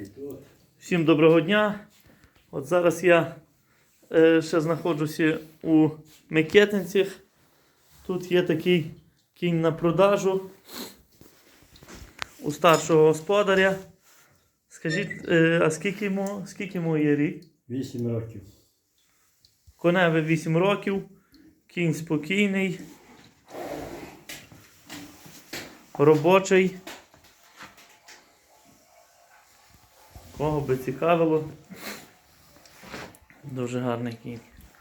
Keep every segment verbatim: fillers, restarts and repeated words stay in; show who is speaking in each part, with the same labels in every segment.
Speaker 1: Всім доброго дня. От зараз я е, ще знаходжуся у Микитинцях. Тут є такий кінь на продажу у старшого господаря. Скажіть, е, а скільки йому, скільки йому є рік?
Speaker 2: Вісім років.
Speaker 1: Коневі вісім років. Кінь спокійний. Робочий. Кого би цікавило. Дуже гарний кінь.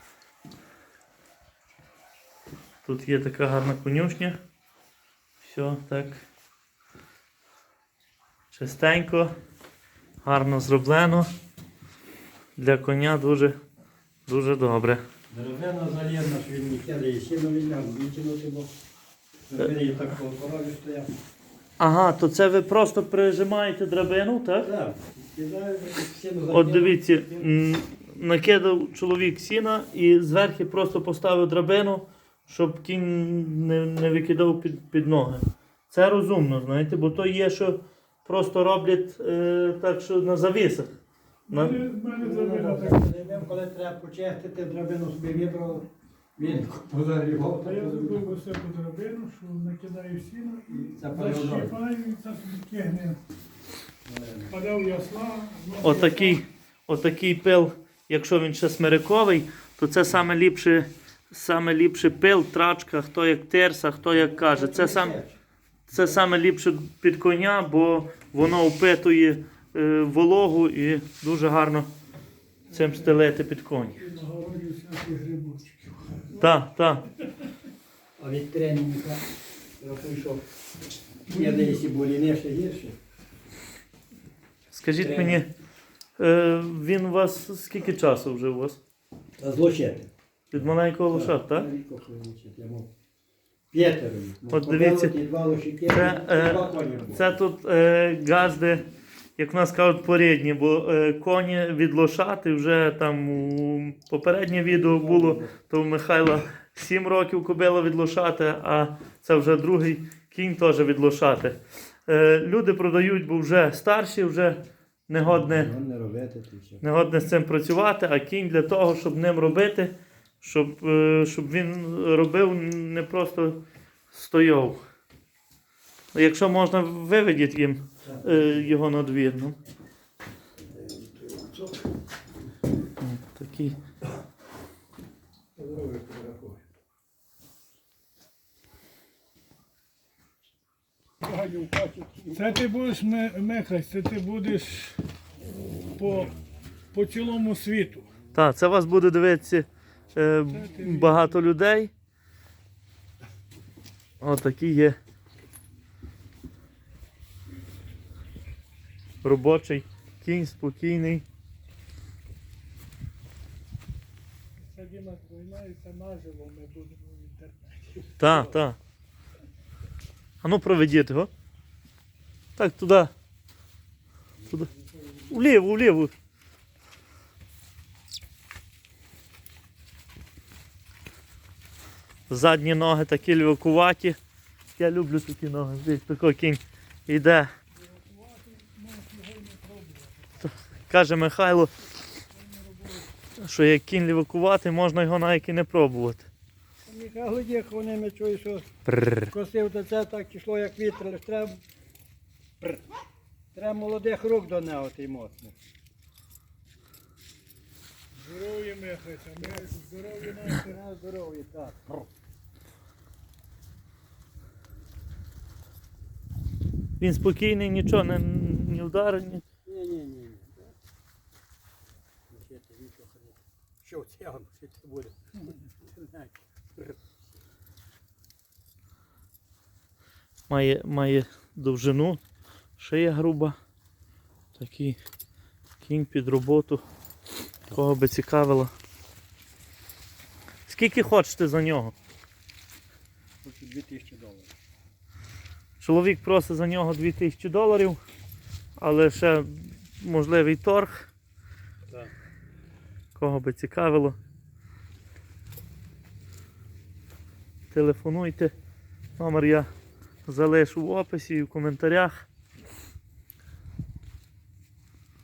Speaker 1: Тут є така гарна конюшня. Все так чистенько, гарно зроблено. Для коня дуже, дуже добре.
Speaker 2: Дерев'яна залізна, що він не кидає, сильно візьмемо, витягнути, бо забери так по корові стояв.
Speaker 1: Ага, то це ви просто прижимаєте драбину, так?
Speaker 2: Так, кидаю, сіно закидаю.
Speaker 1: От дивіться, м, накидав чоловік сіна і зверху просто поставив драбину, щоб кінь не, не викидав під, під ноги. Це розумно, знаєте, бо то є, що просто роблять е, так, що на завісах. На...
Speaker 2: Коли треба почистити, драбину собі вибрав, він позагрівав.
Speaker 3: А я зробив ось таку драбину, що накидаю сіно і
Speaker 2: Запалив
Speaker 3: защіпаю, і це собі кигне. Падав ясла.
Speaker 1: Отакий, отакий пил, якщо він ще смириковий, то це саме ліпше, саме ліпше пил, трачка, хто як терса, хто як каже. Це, сам, це саме ліпше під коня, бо воно впитує е, вологу і дуже гарно цим стелити під коні.
Speaker 3: І на городі всяких грибочків.
Speaker 1: Так, так.
Speaker 2: А від тренінга, я прийшов, я десь і боліне ще гірше.
Speaker 1: Скажіть мені, е, він у вас скільки часу вже у вас?
Speaker 2: А злочити.
Speaker 1: Від маленького лошад, так?
Speaker 2: П'ятеро.
Speaker 1: От дивіться, це, е, це тут е, газди, як в нас кажуть, порідні, бо е, коні від лошати вже там у попереднє відео було, то у Михайла сім років кобила від лошати, а це вже другий кінь теж від лошати. Е, люди продають, бо вже старші, вже негодне, негодне з цим працювати, а кінь для того, щоб ним робити, щоб, е, щоб він робив, не просто стояв. Якщо можна, виведіть їм е, його на двір. Ну. Такий.
Speaker 3: Це ти будеш мехать, це ти будеш по, по цілому світу.
Speaker 1: Так, це вас буде дивитися е, багато людей. Отакі є. Робочий кінь, спокійний.
Speaker 3: Це Діма займається наживо, ми будемо в інтернеті.
Speaker 1: Так, так. А ну проведіть його. Так, туди. Туди. Вліво, вліво. Задні ноги такі львакуваті. Я люблю такі ноги. Дивіться, такий кінь йде. Каже Михайло, що як кінь лівакувати, можна його навіть і не пробувати.
Speaker 2: Михайло їхав, вони ми чують, що
Speaker 1: Прррр.
Speaker 2: косив до це, так йшло як вітер, але треба, треба молодих рук до нього, ти моцно.
Speaker 3: Здоров'я мехаться, ми здоров'я наші.
Speaker 2: На здоров'я, так.
Speaker 1: Він спокійний, нічого не, не вдарить. Ні.
Speaker 2: Ні-ні-ні. Що це воно, що це буде?
Speaker 1: Має, має довжину, шия груба. Такий кінь під роботу. Кого би цікавило. Скільки хочете за нього?
Speaker 2: Хочу дві тисячі доларів.
Speaker 1: Чоловік просить за нього дві тисячі доларів, але ще можливий торг.
Speaker 2: Так.
Speaker 1: Кого би цікавило. Телефонуйте. Номер я залишу в описі і в коментарях.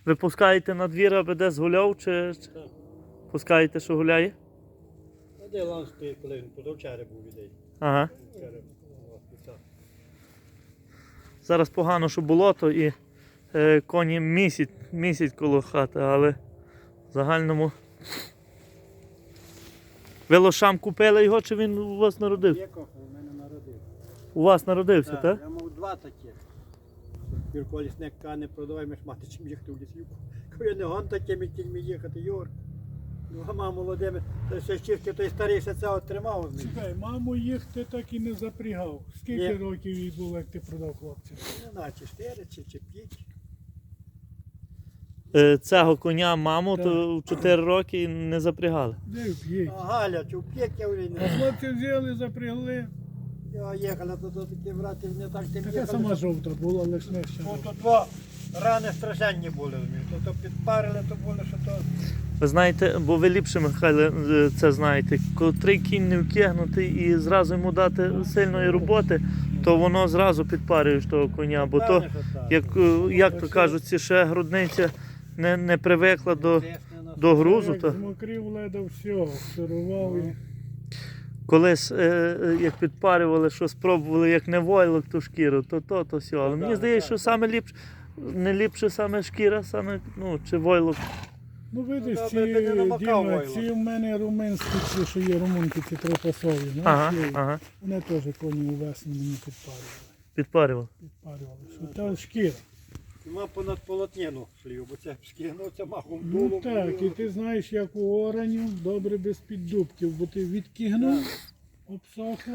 Speaker 1: Ви пускаєте на двір, аби десь гуляв, чи чи
Speaker 2: Так.
Speaker 1: пускаєте, що гуляє?
Speaker 2: А де лан стоїть, коли він позавчора був ідей.
Speaker 1: Ага.
Speaker 2: Вчора була піца.
Speaker 1: Зараз погано, що болото і е, коні місяць, місяць коло хати, але в загальному. Ви лошам купили його, чи він у вас народився?
Speaker 2: Є кофе, у мене народив.
Speaker 1: У вас народився,
Speaker 2: Так,
Speaker 1: так?
Speaker 2: я мав два такі. Юрко лісник каже, не продавай, ми ж мати чим їхати в лісівку. Кажу, я не гон такими кіньми їхати, Юр. Ну, а мама молодими, то ще чистки той старий ще це отримав. з них.
Speaker 3: Чекай, маму їх ти так і не запрягав. Скільки
Speaker 2: Ні.
Speaker 3: років їй було, як ти продав хлопця?
Speaker 2: Ну, на чотири чи, чи п'ять.
Speaker 1: Е, цього коня маму
Speaker 3: Так.
Speaker 1: то в чотири роки не запрягали.
Speaker 3: Де вп'єть?
Speaker 2: А Галя, чи в п'ять я вже
Speaker 3: А
Speaker 2: не знаю.
Speaker 3: хлопці взяли, запрягли.
Speaker 2: Я їхала, то, то такі брати не так тим
Speaker 3: Така
Speaker 2: їхали.
Speaker 3: сама жовта була, лиш не ще.
Speaker 2: Ну, то два рани страшенні були, розумієш. То, то підпарили, то були, що то...
Speaker 1: Ви знаєте, бо ви ліпше, Михайле, е, це знаєте, котрий кінь не вкигнутий і зразу йому дати сильної роботи, то воно зразу підпарює ж того коня, бо то,
Speaker 2: Певне, що так.
Speaker 1: як, е, як то кажуть, ці ще грудниця не, не привикла до, до грузу.
Speaker 3: Як
Speaker 1: То
Speaker 3: змокрів леда все, сирував і...
Speaker 1: колись, е, е, як підпарювали, що спробували, як не войлок ту шкіру, то то, то все. Але
Speaker 2: Ну,
Speaker 1: мені
Speaker 2: так,
Speaker 1: здається,
Speaker 2: так,
Speaker 1: що
Speaker 2: так.
Speaker 1: саме ліпше, не ліпше саме шкіра, саме, ну, чи войлок.
Speaker 3: Ну видиш,
Speaker 2: Ну,
Speaker 3: ці,
Speaker 2: добре, ти не намакав
Speaker 3: Діма,
Speaker 2: войло.
Speaker 3: ці в мене румунські, ці, що є румунки, ці трипасові,
Speaker 1: Ага,
Speaker 3: знаєш, є.
Speaker 1: ага,
Speaker 3: Вони теж коні у весні мені підпарювали.
Speaker 1: підпарювали.
Speaker 3: Підпарювали. Що та шкіра.
Speaker 2: Нема понад полотніну шлів, бо це скигнуться махом
Speaker 3: Ну
Speaker 2: дулом.
Speaker 3: так, і ти знаєш, як у оранів, добре без піддубків, бо ти відкигнув, обсохло.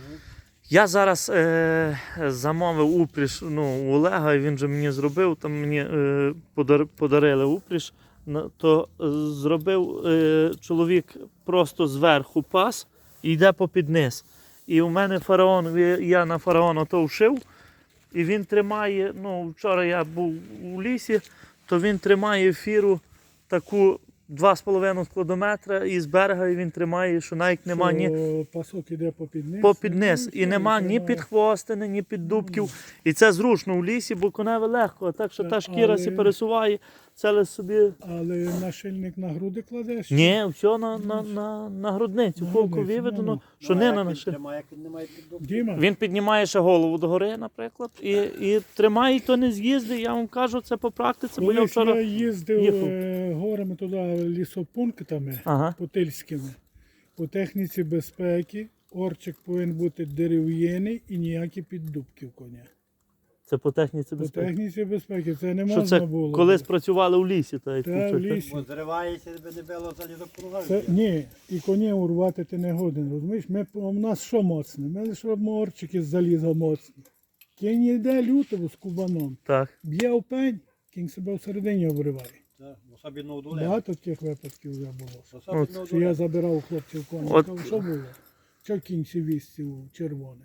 Speaker 1: Я зараз е, замовив упряж ну, у Олега, і він же мені зробив, там мені е, подар, подарили упряж, на- то е, зробив е, чоловік просто зверху пас і йде попід низ. І у мене фараон, я на фараон ото вшив, і він тримає, ну вчора я був у лісі, то він тримає фіру таку два з половиною складометра і з берега і він тримає, що навіть нема ні
Speaker 3: Що пасок іде попід низ.
Speaker 1: попід
Speaker 3: ну,
Speaker 1: низ.
Speaker 3: все,
Speaker 1: І нема ні
Speaker 3: тримає.
Speaker 1: під хвостини, ні під дубків. І це зручно в лісі, бо коневе легко. А так що
Speaker 3: Так,
Speaker 1: та шкіра
Speaker 3: але-
Speaker 1: сі пересуває, це лише собі.
Speaker 3: Але нашильник на груди кладеш?
Speaker 1: Ні, все на, на, на, на грудницю.
Speaker 3: На
Speaker 1: Колко
Speaker 3: грудницю,
Speaker 1: виведено,
Speaker 3: ну,
Speaker 1: що не на наші.
Speaker 2: Немає, як він не має піддубки.
Speaker 3: Діма,
Speaker 1: Він піднімає ще голову догори, наприклад, і, і тримає, і то не з'їзди. Я вам кажу, це по практиці, бо я
Speaker 3: колись
Speaker 1: вчора.
Speaker 3: я їздив
Speaker 1: їхав.
Speaker 3: е, горами туди лісопунктами
Speaker 1: Ага.
Speaker 3: путильськими. По техніці безпеки орчик повинен бути дерев'яний і ніякі піддубки в коня.
Speaker 1: Це по техніці
Speaker 3: По
Speaker 1: безпеки.
Speaker 3: техніці безпеки це не
Speaker 1: Що
Speaker 3: можна
Speaker 1: це
Speaker 3: було.
Speaker 1: колись працювали у лісі, та як
Speaker 3: Та,
Speaker 1: тут,
Speaker 3: в
Speaker 1: так?
Speaker 3: лісі.
Speaker 2: Бо зривається, би не було залізопруга.
Speaker 3: Це, ні, і коні урвати ти не годен, розумієш? Ми, у нас що моцне? Ми лише робимо орчики з заліза моцні. Кінь йде лютого з кубаном,
Speaker 1: Так.
Speaker 3: б'є в пень, кінь себе всередині обриває.
Speaker 2: Так, особливо у дуле.
Speaker 3: Багато таких випадків вже було.
Speaker 2: Особливо у
Speaker 3: Що я
Speaker 2: дуле.
Speaker 3: забирав у хлопців коні.
Speaker 1: От-
Speaker 3: Кажу, що було? Що кінь сівістів червоним?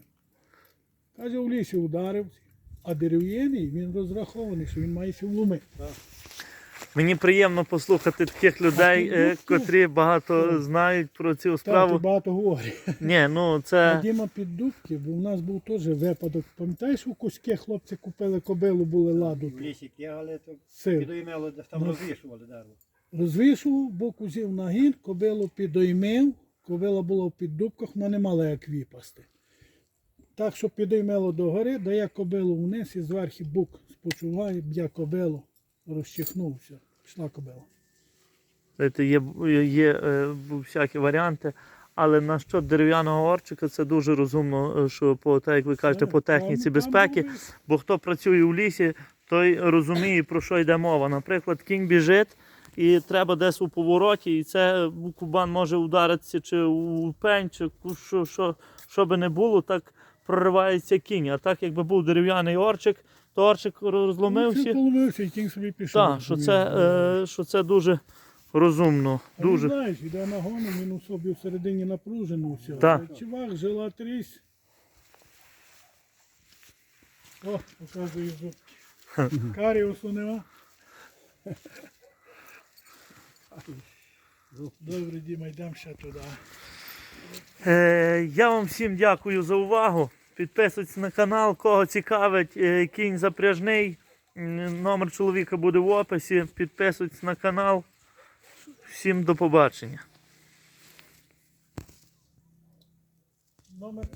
Speaker 3: Каже, в лісі ударив, а дерев'яний він розрахований, що він має сі влуми.
Speaker 1: Мені приємно послухати таких людей,
Speaker 3: А
Speaker 1: е,
Speaker 3: піддубки?
Speaker 1: котрі багато знають про цю
Speaker 3: Так,
Speaker 1: справу.
Speaker 3: ти багато говорить.
Speaker 1: Ні, ну
Speaker 3: А
Speaker 1: це
Speaker 3: Діма піддубки, бо в нас був теж випадок. Пам'ятаєш, у Кузьке хлопці купили кобилу, були ладу.
Speaker 2: В лісі кігали, то
Speaker 3: Сир.
Speaker 2: підоймело, десь там
Speaker 3: Ну.
Speaker 2: розвішували дерево.
Speaker 3: Розвішував, бок узяв нагін, кобилу підоймив, кобила була в піддубках, вона не мала як випасти. Так, що підоймело догори, дає кобилу вниз і зверху бук спочуває, б'є кобилу, розчихнувся. Пішла кобила.
Speaker 1: знаєте, є, є е, всякі варіанти, але на що дерев'яного орчика це дуже розумно, е, що по те, як ви кажете, по техніці
Speaker 3: Там-
Speaker 1: безпеки.
Speaker 3: там були-
Speaker 1: Бо хто працює у лісі, той розуміє, про що йде мова. Наприклад, кінь біжить і треба десь у повороті, і це кубан може ударитися чи у пень, чи ку- що, що, що би не було, так проривається кінь. А так, якби був дерев'яний орчик, то орчик
Speaker 3: Ну,
Speaker 1: розломився.
Speaker 3: це поломився і кінь собі пішов.
Speaker 1: Так, що це, е, що це дуже розумно.
Speaker 3: А він,
Speaker 1: Дуже.
Speaker 3: знаєш, йде на гону, він у собі всередині напружено все.
Speaker 1: Так.
Speaker 3: Чувак, жила трісь. О, показує зубки. Каріусу нема. Добре, Діма, йдемо ще туди.
Speaker 1: Е, я вам всім дякую за увагу. Підписуйтесь на канал, кого цікавить е, кінь запряжний. Номер чоловіка буде в описі. Підписуйтесь на канал. Всім до побачення.
Speaker 3: Номер